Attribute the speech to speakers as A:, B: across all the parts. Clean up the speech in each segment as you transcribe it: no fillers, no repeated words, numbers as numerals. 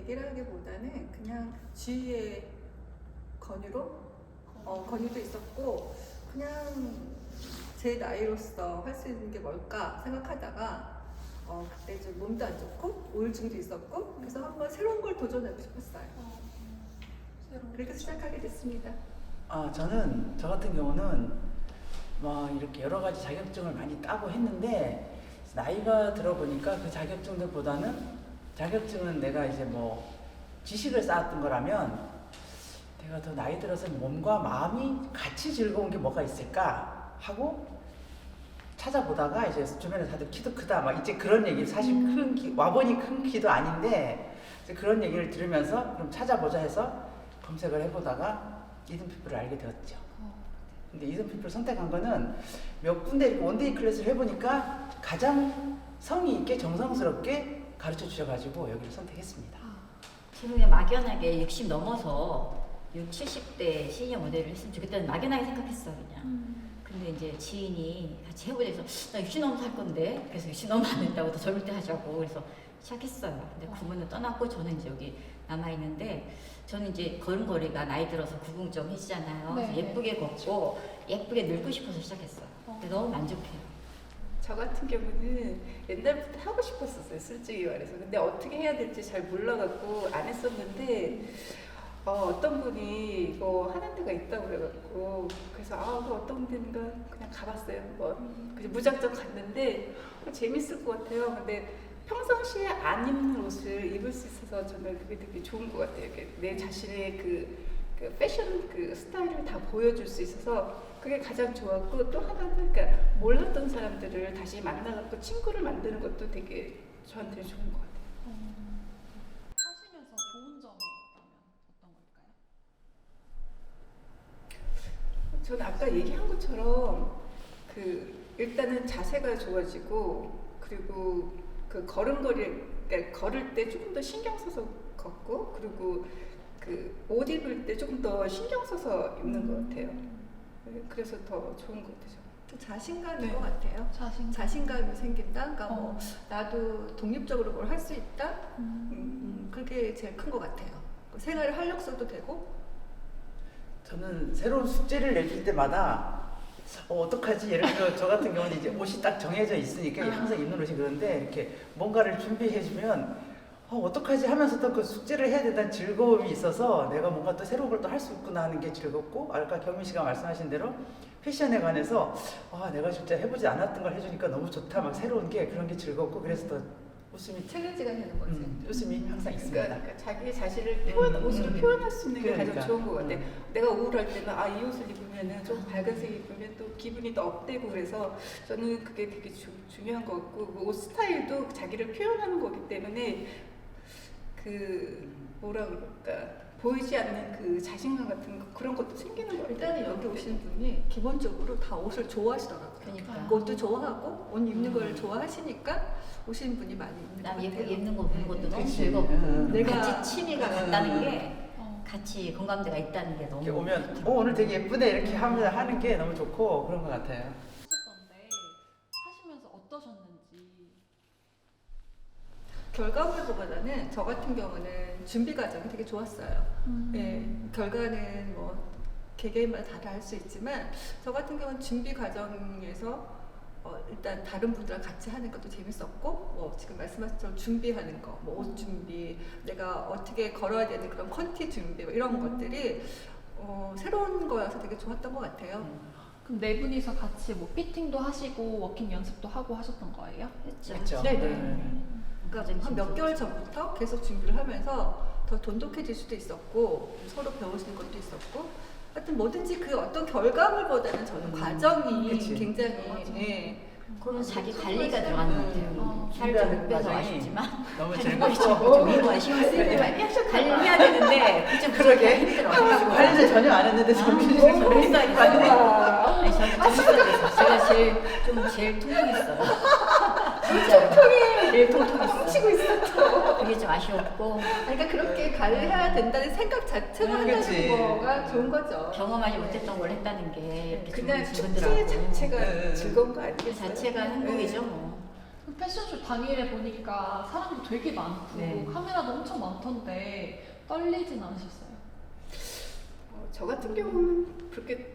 A: 얘기를 하기보다는 그냥 주위의 권유도 있었고 그냥 제 나이로서 할 수 있는 게 뭘까 생각하다가 그때 좀 몸도 안 좋고 우울증도 있었고 그래서 한번 새로운 걸 도전하고 싶었어요. 그렇게 시작하게 됐습니다.
B: 저는 저 같은 경우는 뭐 이렇게 여러 가지 자격증을 많이 따고 했는데 나이가 들어보니까 그 자격증들보다는 자격증은 내가 이제 뭐 지식을 쌓았던 거라면 내가 더 나이 들어서 몸과 마음이 같이 즐거운 게 뭐가 있을까 하고 찾아보다가 이제 주변에 다들 키도 크다 막 이제 그런 얘기를 사실 와보니 큰 키도 아닌데 이제 그런 얘기를 들으면서 그럼 찾아보자 해서 검색을 해보다가 이든피플을 알게 되었죠. 근데 이든피플 선택한 거는 몇 군데 이렇게 원데이 클래스를 해보니까 가장 성의 있게 정성스럽게 가르쳐 주셔가지고 여기를 선택했습니다.
C: 저는 그냥 막연하게 60 넘어서 60, 70대 시니어 모델을 했으면 좋겠다는 막연하게 생각했어 그냥. 근데 이제 지인이 같이 해보자 해서 나 60 넘어서 할 건데 그래서 60 넘으면 안 된다고 더 젊을 때 하자고 그래서 시작했어요. 근데 그분은 떠났고 저는 이제 여기 남아있는데 저는 이제 걸음걸이가 나이 들어서 구궁정해지잖아요.
D: 네.
C: 예쁘게 걷고 예쁘게 늙고 싶어서 시작했어요. 근데 너무 만족해요.
E: 저 같은 경우는 옛날부터 하고 싶었었어요, 솔직히 말해서. 근데 어떻게 해야 될지 잘 몰라갖고 안 했었는데 어떤 분이 이거 하는 데가 있다고 그래갖고 그래서 그 어떤 데인가 그냥 가봤어요 한번. 그래서 무작정 갔는데 재밌을 것 같아요. 근데 평상시에 안 입는 옷을 입을 수 있어서 저는 그게 되게 좋은 것 같아요. 내 자신의 그 패션 그 스타일을 다 보여줄 수 있어서 그게 가장 좋았고 또 하나는 그러니까 몰랐던 사람들을 다시 만나갖고 친구를 만드는 것도 되게 저한테 좋은 것 같아요.
D: 하시면서 좋은 점이 있다면 어떤 걸까요?
E: 저는 아까 얘기한 것처럼 그 일단은 자세가 좋아지고 그리고 그 걸음걸이 그러니까 걸을 때 조금 더 신경 써서 걷고 그리고 그 옷 입을 때 조금 더 신경 써서 입는 것 같아요. 그래서 더 좋은 것 같아요.
A: 또 자신감인
E: 네.
A: 것 같아요. 자신감이 생긴다. 그러니까 뭐 나도 독립적으로 뭘 할 수 있다. 그게 제일 큰 것 같아요. 생활의 활력소도 되고.
B: 저는 새로운 숙제를 내줄 때마다 어떡하지? 예를 들어 저 같은 경우는 이제 옷이 딱 정해져 있으니까 항상 입는 옷이 그런데 이렇게 뭔가를 준비해주면 어떡하지 하면서 또 그 숙제를 해야 된다는 즐거움이 있어서 내가 뭔가 또 새로운 걸 또 할 수 있구나 하는 게 즐겁고 아까 경민 씨가 말씀하신 대로 패션에 관해서 내가 진짜 해보지 않았던 걸 해주니까 너무 좋다 막 새로운 게 그런 게 즐겁고 그래서 더 웃음이
A: 챌린지가 되는 거지.
B: 웃음이 항상 있습니다.
E: 그러니까 자기 자신을 옷으로 표현할 수 있는 게 가장 좋은 것 같아. 내가 우울할 때는 이 옷을 입으면은 좀 밝은색 입으면 또 기분이 더 업되고 그래서 저는 그게 되게 중요한 것 같고 그 옷 스타일도 자기를 표현하는 거기 때문에 그 뭐라 그럴까 보이지 않는 그 자신감 같은 거 그런 것도 생기는 것 같아요.
A: 일단은 여기 오시는 분이 기본적으로 다 옷을 좋아하시더라고요.
C: 그러니까.
A: 옷도 좋아하고 옷 입는 걸 좋아하시니까 오시는 분이 많이 있는 것
C: 남
A: 같아요.
C: 예쁘게 입는 거 보는 것도 너무
B: 그치.
C: 즐겁고
A: 내가-
C: 같이 취미가 같다는 게 같이 공감대가 있다는 게 너무
B: 이렇게 오면 오늘 되게 예쁘네 이렇게 하는 게 너무 좋고 그런 것 같아요.
D: 하셨던데 하시면서 어떠셨는지.
A: 결과물보다는 저 같은 경우는 준비 과정이 되게 좋았어요. 예, 결과는 뭐 개개인마다 다 할 수 있지만 저 같은 경우는 준비 과정에서 일단 다른 분들랑 같이 하는 것도 재밌었고 뭐 지금 말씀하신 것처럼 준비하는 거, 뭐 옷 준비, 내가 어떻게 걸어야 되는 그런 컨티 준비 뭐 이런 것들이 새로운 거여서 되게 좋았던 것 같아요.
D: 그럼 네 분이서 같이 뭐 피팅도 하시고 워킹 연습도 하고 하셨던 거예요?
C: 했죠.
B: 그렇죠.
A: 네네. 그러니까 한 몇 개월 전부터 계속 준비를 하면서 더 돈독해질 수도 있었고 서로 배울 수 있는 것도 있었고 하여튼 뭐든지 그 어떤 결과물보다는 저는 과정이
B: 그치.
A: 굉장히
C: 그러면 자기 관리가 들어가는 것 같아요. 살을 좀 못 빼서
B: 과정이
C: 아쉽지만
B: 너무
C: 관리가
B: 즐겁고
C: 운동화 신경 쓰지만 관리해야 되는데 그좀
B: 그러게.
C: 힘들어.
B: 관리를 전혀 안 했는데 정신이
C: 저는 했어요. 아니 저는 재밌어요. 제가 제일 통통했어요. 진짜 제일 통통했어요.
A: 훔치고 있었죠.
C: 그게 좀 아쉬웠고
A: 그러니까 그렇게 관리해야 된다는 생각 자체가
B: 그치.
A: 한다는 거가 좋은 거죠.
C: 경험하지 못했던 걸 했다는 게 이렇게
E: 그냥
C: 좋은
E: 축제
C: 친구들하고
E: 자체가
B: 네.
E: 즐거운 거
C: 그
E: 아니겠어요?
C: 자체가 행복이죠 뭐.
D: 그 패션쇼 당일에 보니까 사람도 되게 많고
C: 네.
D: 카메라도 엄청 많던데 떨리진 않으셨어요?
E: 저 같은 경우는 그렇게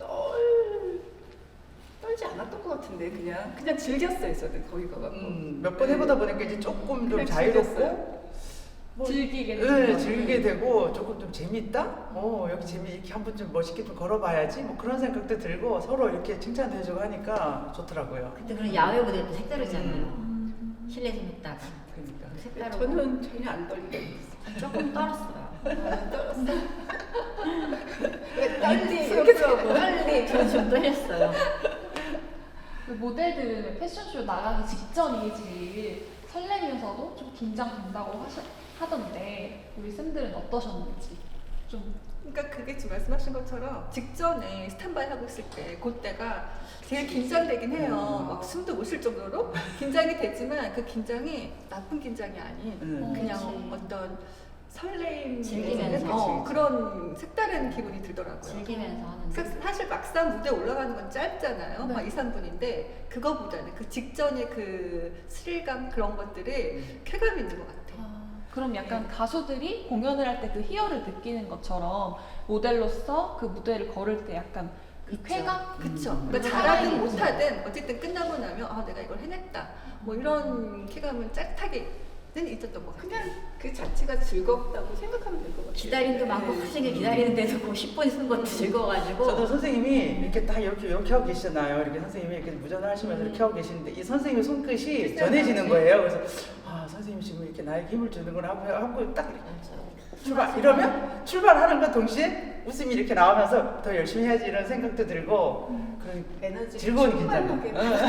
E: 떨지 않았던 것 같은데 그냥 즐겼어요. 저는 거기 가갖고.
B: 몇 번 해보다 보니까 이제 조금 좀
E: 그냥
B: 자유롭고
E: 즐겼어요.
B: 뭐,
D: 즐기게
B: 네,
D: 되죠.
B: 즐기게 되고 조금 좀 재밌다? 여기 이렇게 한번 좀 멋있게 좀 걸어봐야지 뭐 그런 생각도 들고 서로 이렇게 칭찬도 해주고 하니까 좋더라고요.
C: 근데 그런 야외 무대도 색다르잖아요.
D: 음.
C: 실내에서 했다가
B: 그러니까.
C: 색다르고
E: 저는 전혀 안 떨리게
C: 조금 떨었어요.
E: 떨었어.
C: 떨리. 저는 좀 떨렸어요.
D: 그 모델들은 패션쇼 나가기 직전이 제일 설레면서도 좀 긴장된다고 하던데 우리 쌤들은 어떠셨는지 좀.
A: 그러니까 그게 지금 말씀하신 것처럼 직전에 스탠바이 하고 있을 때 그때가 제일 긴장되긴 해요. 막 숨도 못 쉴 정도로 긴장이 되지만 그 긴장이 나쁜 긴장이 아닌 그냥
D: 그치.
A: 어떤 설레임
C: 즐기면서.
A: 그런 색다른 기분이 들더라고요.
C: 즐기면서 하는
A: 사실 막상 무대 올라가는 건 짧잖아요.
D: 네.
A: 막 2, 3분인데 그거보다는 그 직전에 그 스릴감 그런 것들이 쾌감이 있는 것 같아요.
D: 그럼 약간 가수들이 공연을 할 때 그 희열을 느끼는 것처럼 모델로서 그 무대를 걸을 때 약간 그
C: 있죠.
D: 쾌감?
A: 그쵸. 그러니까
D: 음.
A: 잘하든
D: 음.
A: 못하든 어쨌든 끝나고 나면 아 내가 이걸 해냈다. 뭐 이런 쾌감은 짜릿하게는 있었던 것 같아요.
E: 그냥 그 자체가 즐겁다고 생각하면 될 것 같아요.
C: 기다림도 많고
E: 네.
C: 학생이 기다리는데도 그 10분 쓰는 것도 즐거워가지고
B: 저도 선생님이 이렇게 딱 이렇게 하고 계시잖아요. 이렇게 선생님이 이렇게 무전을 하시면서 이렇게 하고 계시는데 이 선생님의 손끝이 전해지는 거예요. 그래서 선생님이 지금 이렇게 나에게 힘을 주는구나 하고 딱 이렇게 출발 이러면 출발하는과 동시에 웃음이 이렇게 나오면서 더 열심히 해야지 이런 생각도 들고 그런
E: 에너지
B: 즐거운 긴장.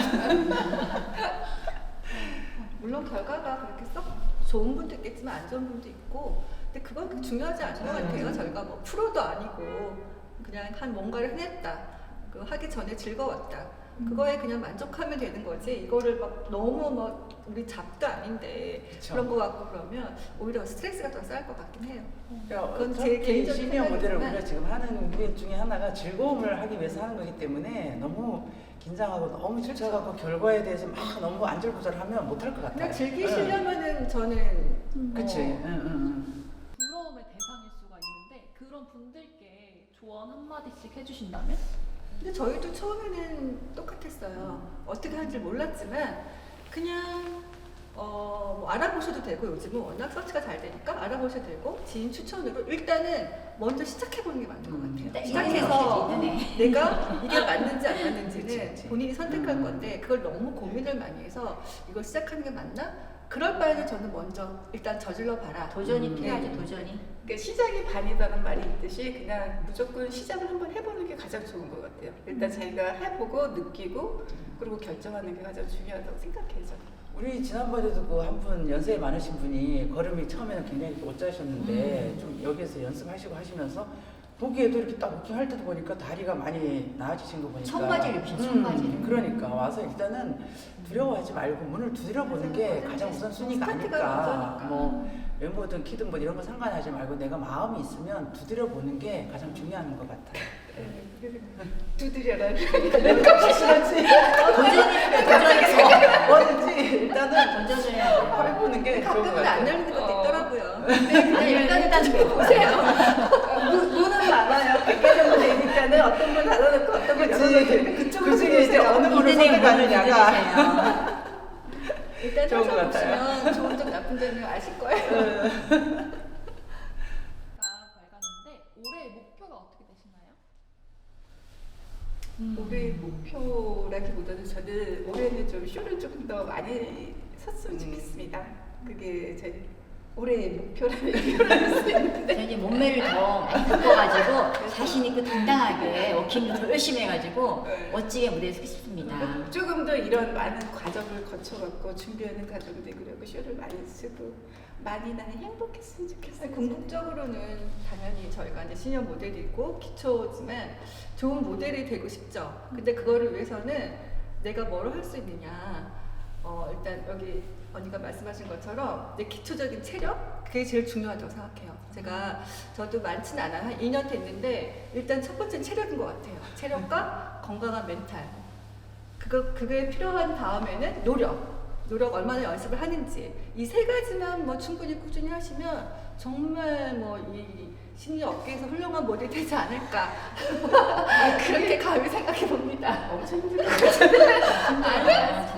A: 물론 결과가 그렇게 썩 좋은 분도 있겠지만 안 좋은 분도 있고 근데 그건 그렇게 중요하지 않은 것 같아요. 저희가 뭐 프로도 아니고 그냥 한 뭔가를 해냈다. 그 하기 전에 즐거웠다. 그거에 그냥 만족하면 되는 거지. 이거를 막 너무 막 우리 잡도 아닌데
B: 그쵸.
A: 그런 거 같고 그러면 오히려 스트레스가 더 쌓일 것 같긴 해요.
B: 그건
A: 제
B: 제
A: 개인적인
B: 시니어 모델을
A: 생각이지만
B: 우리가 지금 하는 게 중에 하나가 즐거움을 하기 위해서 하는 거기 때문에 너무 긴장하고 너무 지쳐가고 결과에 대해서 막 너무 안절부절하면 못할 것 같아요.
A: 그냥 즐기시려면은 저는
B: 그치.
D: 부러움의 대상일 수가 있는데 그런 분들께 조언 한마디씩 해주신다면?
A: 근데 저희도 처음에는 똑같았어요. 어떻게 하는지 몰랐지만 그냥 뭐 알아보셔도 되고 요즘은 워낙 서치가 잘 되니까 알아보셔도 되고 지인 추천으로 일단은 먼저 시작해보는 게 맞는 것 같아요. 시작해서 내가 이게 맞는지 안 맞는지는
B: 그치.
A: 본인이 선택할 건데 그걸 너무 고민을 많이 해서 이걸 시작하는 게 맞나? 그럴 바에는 저는 먼저 일단 저질러 봐라.
C: 도전이 필요하지 도전이.
E: 그러니까 시작이 반이라는 말이 있듯이 그냥 무조건 시작을 한번 해보는 게 가장 좋은 것 같아요. 일단 자기가 해보고 느끼고 그리고 결정하는 게 가장 중요하다고 생각해요. 저는.
B: 우리 지난번에도 그 한 분 연세 많으신 분이 걸음이 처음에는 굉장히 못 자셨는데 좀 여기에서 연습하시고 하시면서 보기에도 이렇게 딱 워킹할 때도 보니까 다리가 많이 나아지신 거 보니까
C: 청바지를 입으신 청바지를.
B: 그러니까 와서 일단은 두려워하지 말고 문을 두드려보는 게 가장 우선 순위가 아닐까. 뭐 외모든 키든 뭐 이런 거 상관하지 말고 내가 마음이 있으면 두드려보는 게 가장 중요한 것 같아요.
E: 두드려라.
C: 도전해서
B: 뭐든지 일단은
C: 도전을 해야 돼.
B: 해보는 게 좋은 것
A: 가끔은 안
B: 같아요.
A: 열리는 것도 있더라고요.
C: 일단
A: 보세요.
E: 문은 많아요. 100개 정도 되니까는 어떤 분 닫아놓고 어떤 분 열어놓고 그쪽으로
B: 그 중에 이제 어느 분을 선택하느냐가
A: 일단
B: 좋은 것 같아요.
A: 찾아보시면 좋은 점 나쁜 점을 아실 거예요.
D: 밝았는데 올해의 목표가 어떻게 되시나요?
E: 올해 목표라기보다는 저는 올해는 좀 쇼를 조금 더 많이 섰으면 좋겠습니다. 그게 제 올해의 목표라는 표현을 할 수 있는데
C: 저는 이제 몸매를 더 많이 바꿔가지고 자신 있고 당당하게 워킹도 더 열심히 해가지고 멋지게 무대에 서고 싶습니다.
E: 조금 더 이런 많은 과정을 거쳐갖고 준비하는 과정들 그리고 쇼를 많이 쓰고 많이 나는 행복했으면 좋겠어요.
A: 궁극적으로는 당연히 저희가 이제 시니어 모델이고 기초지만 좋은 모델이 되고 싶죠. 근데 그거를 위해서는 내가 뭘 할 수 있느냐. 일단 여기 언니가 말씀하신 것처럼 내 기초적인 체력 그게 제일 중요하다고 생각해요. 저도 많지는 않아요. 한 2년 됐는데 일단 첫 번째는 체력인 것 같아요. 체력과 건강한 멘탈. 그게 필요한 다음에는 노력. 노력 얼마나 연습을 하는지 이 세 가지만 뭐 충분히 꾸준히 하시면 정말 뭐 이 심리 업계에서 훌륭한 모델이 되지 않을까 그렇게 감히 생각해 봅니다.
E: 엄청 힘들 것
C: 아니야,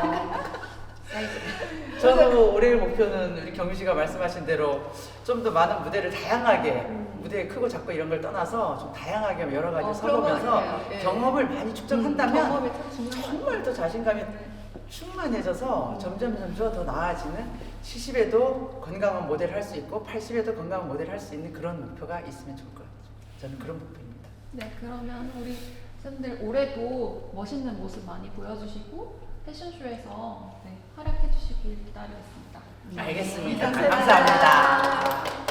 B: 저도 올해의 목표는 우리 경유 씨가 말씀하신 대로 좀 더 많은 무대를 다양하게 무대 크고 작고 이런 걸 떠나서 좀 다양하게 여러 가지
A: 그런 것
B: 서보면서
A: 같아요. 예.
B: 경험을 많이 축적한다면
A: 경험이 참 중요한 것
B: 정말 더 자신감이 충만해져서 점점 더 나아지는 70에도 건강한 모델 할 수 있고 80에도 건강한 모델 할 수 있는 그런 목표가 있으면 좋을 것 같아요. 저는 그런 목표입니다.
D: 네, 그러면 우리 쌤들 올해도 멋있는 모습 많이 보여주시고 패션쇼에서 네, 활약해 주시길 기다리겠습니다.
B: 알겠습니다.
A: 감사합니다.
B: 감사합니다.